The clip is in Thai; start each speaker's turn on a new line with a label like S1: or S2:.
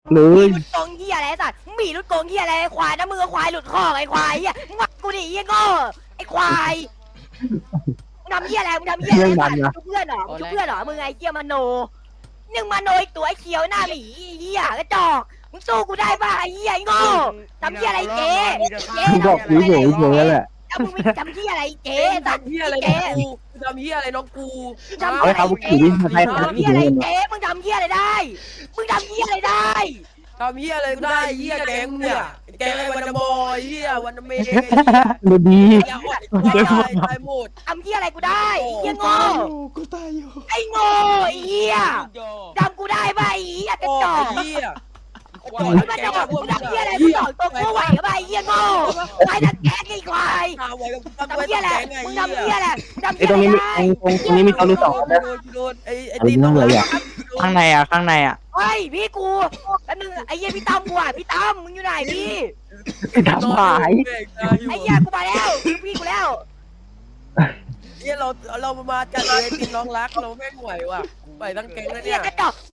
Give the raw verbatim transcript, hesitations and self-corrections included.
S1: เล
S2: มี
S1: ย
S2: รุดโกงเหี้ยอะไรสัตว์มึงมีรุดโกงเหี้ยอะไรไอ้ควายนะมือควายหลุดคอกไอ้ควายเหี้ยมึงว่ากูดิเหี้ยโง่ไอ้ควายมึงทำเหี้ยอะไรมึงทำเหี้ยอะไรสัตว์มึงเพื่อนเหรอมึงเพื่อนเหรอมึงไอ้เหี้ยมโนหนึ่งมโนอีกตัวไอ้เขียวหน้าหมีเหี้ยกระจอกมึงสู้กูได้ป่ะไอ้เหี้ยไอ้โง่ทำเหี้ยอะไรเจ๊เจ๊
S1: มึงบอกกูเฉยเฉยแหละ
S2: แล้วมึงมีทำเหี้ยอะไรเจ๊
S3: เอ๊ะ
S2: สัตว์
S3: ทำเฮียอะไร
S2: เจ๊
S3: น้องกูทำเฮียอะไรน้องกู
S2: ทำ
S1: เอาให้เขาขี่วิ่งมาไทย
S2: มึง
S1: ทาง
S2: ทำ
S1: ที่
S2: เหี้ย
S1: เดิ
S2: อะไร
S1: น
S2: เจ๊มึงทำเหี้ยอะไรได้มึงทำเหี้ยอะไรได้
S3: ทำเฮียอะไรกูได้เฮียแกงเนี่ยแกงไอ้วันนบอยเฮียวันนเมย์
S1: ดูดี
S3: ไอ้เหี้ยอ่อนตายตายหมด
S2: ทำเหี้ยอะไรกูได้ไอ้เหี้ยโง่
S4: กูตายอยู่
S2: ไอ้โง่ไอ้เหี้ยจำกูได้ป่ะไอ้เหี้ยกระ
S3: โอ้
S2: จอก
S3: เฮีย
S2: มึงมาจะบอกมึงทำเหี้ยอะไรมึงสอนตัวกูไหวกับไอ้เหี้ยโง่ไอ้นักแก๊กไอ้ควาย
S3: ทำไว้กับทำ
S2: ทำ
S3: ไว้
S2: เหี้ย
S3: กับ
S2: อะไร
S3: แกงไง
S2: มึง
S3: เฮี
S2: ทำเหี้ย
S3: ย
S2: อะไรทำ
S1: ไอ้
S2: เหี้ย
S1: ต
S2: อะ
S1: รง
S2: ไร
S1: นี้มี
S2: ได้
S1: ตรงตรงนี้มีตัวรู้สอง
S3: โด
S1: นะ
S3: นโดนไอ้ไอ้
S1: อันนี้นั่งเลยอ่ะ
S5: ข้างในอ่ะข้างในอ่ะ
S2: เฮ้ยพี่กูแล้วนึงไอ้เหี้ยพี่ตั้มกูอ่ะพี่ตั้มมึงอยู่ไหนพี่
S1: ทำหาย
S2: ไอ้เหี้ยกูมาแล้วพี่กูแล้ว
S3: เฮียเราเรามาจัดเลยติดน้องรักเราแม่งไหวว่ะไปทั้งแกงแล้ว
S2: เหี้
S3: เนี่ย ย
S2: กระจอก